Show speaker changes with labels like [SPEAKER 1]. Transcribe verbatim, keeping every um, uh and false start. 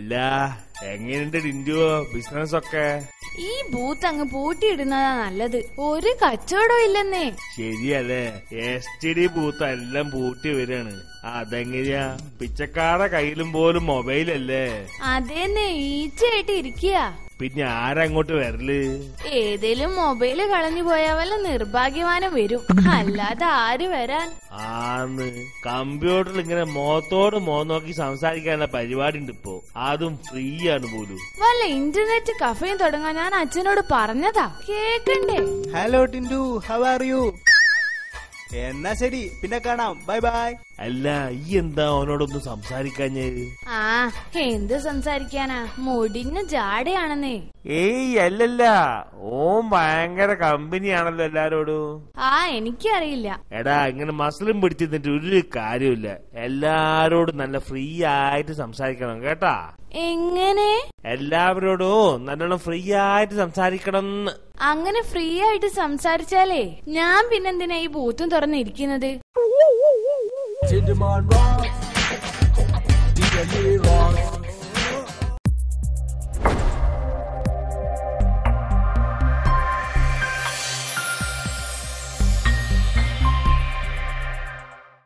[SPEAKER 1] അല്ല എങ്ങനെയുണ്ട് ടിൻഡു ബിസിനസ് ഒക്കെ?
[SPEAKER 2] ഈ ബൂത്ത് അങ്ങ് പൂട്ടിയിടുന്നതാ നല്ലത്. ഒരു കച്ചവടം ഇല്ലെന്നേ.
[SPEAKER 1] ശരിയല്ലേ, എസ് ടി ഡി ബൂത്ത് എല്ലാം പൂട്ടി വരാണ്. അതെങ്ങനെയാ? പിച്ചക്കാരുടെ കയ്യിലും പോലും മൊബൈലല്ലേ?
[SPEAKER 2] അതേന്നെ, ഈച്ചയായിട്ട് ഇരിക്കുക.
[SPEAKER 1] പിന്നെ ആരങ്ങോട്ട് വരല്?
[SPEAKER 2] ഏതേലും മൊബൈല് കളഞ്ഞു പോയാ വല്ല നിർഭാഗ്യവാനം വരും, അല്ലാതെ ആര് വരാൻ?
[SPEAKER 1] ആന്ന് കമ്പ്യൂട്ടറിൽ ഇങ്ങനെ മുഖത്തോട് മുഖം നോക്കി സംസാരിക്കാനുള്ള പരിപാടി ഉണ്ട് ഇപ്പോ. അതും ഫ്രീ ആണ് പോലും.
[SPEAKER 2] വല്ല ഇന്റർനെറ്റ് കഫേയും തുടങ്ങാൻ ഞാൻ അച്ഛനോട് പറഞ്ഞതാ, കേക്കണ്ടേ?
[SPEAKER 3] Hello Tindu, how are you? എന്നാ ശരി, പിന്നെ കാണാം, ബൈ ബൈ.
[SPEAKER 1] അല്ല ഈ എന്താ അവനോടൊന്നും സംസാരിക്കാഞ്ഞേ?
[SPEAKER 2] ആ എന്ത് സംസാരിക്കാനാ, മുടിഞ്ഞ ജാടയാണെന്നേ.
[SPEAKER 1] ഏയ് അല്ലല്ല, ഓൻ ഭയങ്കര കമ്പനിയാണല്ലോ എല്ലാരോടും.
[SPEAKER 2] ആ എനിക്കറിയില്ല.
[SPEAKER 1] എടാ ഇങ്ങനെ മസിലും പിടിച്ചിരുന്നിട്ട് ഒരു കാര്യമില്ല. എല്ലാരോടും നല്ല ഫ്രീ ആയിട്ട് സംസാരിക്കണം കേട്ടാ.
[SPEAKER 2] എങ്ങനെ?
[SPEAKER 1] എല്ലാവരോടും നല്ലോണം ഫ്രീ ആയിട്ട് സംസാരിക്കണം.
[SPEAKER 2] അങ്ങനെ ഫ്രീ ആയിട്ട് സംസാരിച്ചാലേ ഞാൻ പിന്നെന്തിനാ ഈ ബൂത്തും തുറന്നിരിക്കുന്നത്?
[SPEAKER 4] Till the man rocks, D J rocks.